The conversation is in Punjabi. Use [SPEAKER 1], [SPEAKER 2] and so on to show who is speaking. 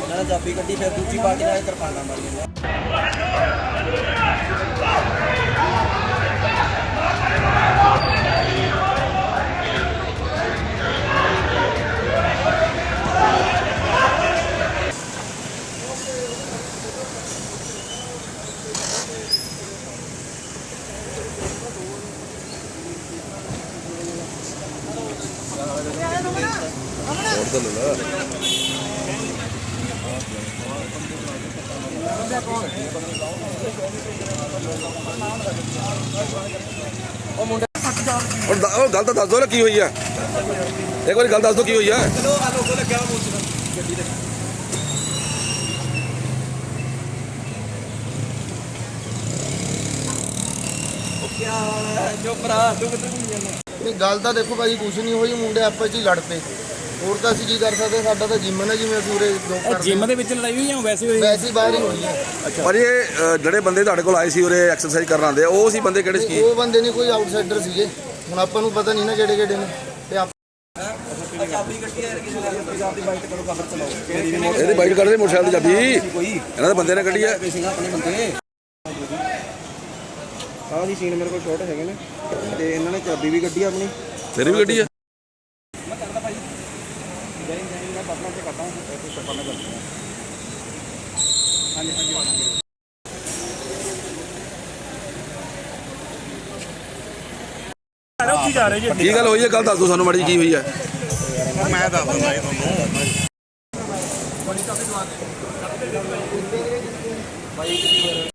[SPEAKER 1] ਇਹਨਾਂ ਨੇ ਚਾਬੀ ਕੱਢੀ, ਫਿਰ ਦੂਜੀ ਪਾਰਟੀ ਨਾਲ ਕਿਰਪਾਨਾਂ ਮਾਰੀਆਂ।
[SPEAKER 2] ਉਹ ਗੱਲ ਤਾਂ ਦੱਸ ਦੋ ਨਾ ਕੀ ਹੋਈ ਆ, ਇੱਕ ਵਾਰੀ ਗੱਲ ਦੱਸ ਦੋ ਕੀ ਹੋਈ ਆ।
[SPEAKER 3] ਨਹੀਂ ਗੱਲ ਤਾਂ ਦੇਖੋ ਭਾਜੀ ਕੁਛ ਨਹੀਂ ਹੋਈ, ਮੁੰਡੇ ਆਪਸ 'ਚ ਹੀ ਲੜ ਪਏ, ਹੋਰ ਤਾਂ ਅਸੀਂ ਕੀ ਕਰ ਸਕਦੇ। ਸਾਡਾ ਤਾਂ ਜਿਮ ਹੈ, ਜਿਵੇਂ ਅਸੀਂ ਉਰੇ ਜੋਬ ਕਰਦੇ
[SPEAKER 4] ਜਿਮ ਦੇ ਵਿੱਚ ਲੜਾਈ ਹੋਈ ਜਾਂ ਵੈਸੇ ਹੋਈ?
[SPEAKER 3] ਵੈਸੇ ਹੀ ਬਾਹਰ ਹੀ ਹੋਈ ਹੈ।
[SPEAKER 2] ਪਰ ਇਹ ਜਿਹੜੇ ਬੰਦੇ ਤੁਹਾਡੇ ਕੋਲ ਆਏ ਸੀ ਉਰੇ ਐਕਸਰਸਾਈਜ਼ ਕਰਨ ਆਉਂਦੇ ਆ, ਉਹ ਸੀ ਬੰਦੇ ਕਿਹੜੇ ਸੀ?
[SPEAKER 3] ਉਹ ਬੰਦੇ ਨਹੀਂ, ਕੋਈ ਆਊਟਸਾਈਡਰ ਸੀਗੇ, ਹੁਣ ਆਪਾਂ ਨੂੰ ਪਤਾ ਨਹੀਂ ਨਾ ਕਿਹੜੇ ਕਿਹੜੇ ਨੇ। ਤੇ
[SPEAKER 1] ਚਾਬੀ ਕੱਢੀ ਯਾਰ ਕਿਸੇ ਨੇ, ਆਪਣੀ ਬਾਈਕ ਕਰੋ, ਬਾਹਰ ਚਲਾਓ।
[SPEAKER 2] ਇਹਦੀ ਬਾਈਟ ਕੱਢਦੇ ਮੋਟਰਸਾਈਕਲ ਦੀ ਚਾਬੀ ਇਹਨਾਂ ਦੇ ਬੰਦੇ ਨੇ ਕੱਢੀ ਆ।
[SPEAKER 1] ਆਪਣੇ ਬੰਦੇ ਆਹ ਦੀ ਸੀਨ ਮੇਰੇ ਕੋਲ ਸ਼ਾਟ ਹੈਗੇ ਨੇ, ਤੇ ਇਹਨਾਂ ਨੇ ਚਾਬੀ ਵੀ ਕੱਢੀ ਆਪਣੀ।
[SPEAKER 2] ਤੇਰੀ ਵੀ ਕੱਢੀ ਆ? ਕੀ ਗੱਲ ਹੋਈ ਹੈ, ਕੱਲ ਦੱਸ ਦੋ ਸਾਨੂੰ ਮਾੜੀ ਕੀ ਹੋਈ ਹੈ।
[SPEAKER 5] ਮੈਂ ਦੱਸ ਦਿੰਦਾ ਜੀ ਤੁਹਾਨੂੰ।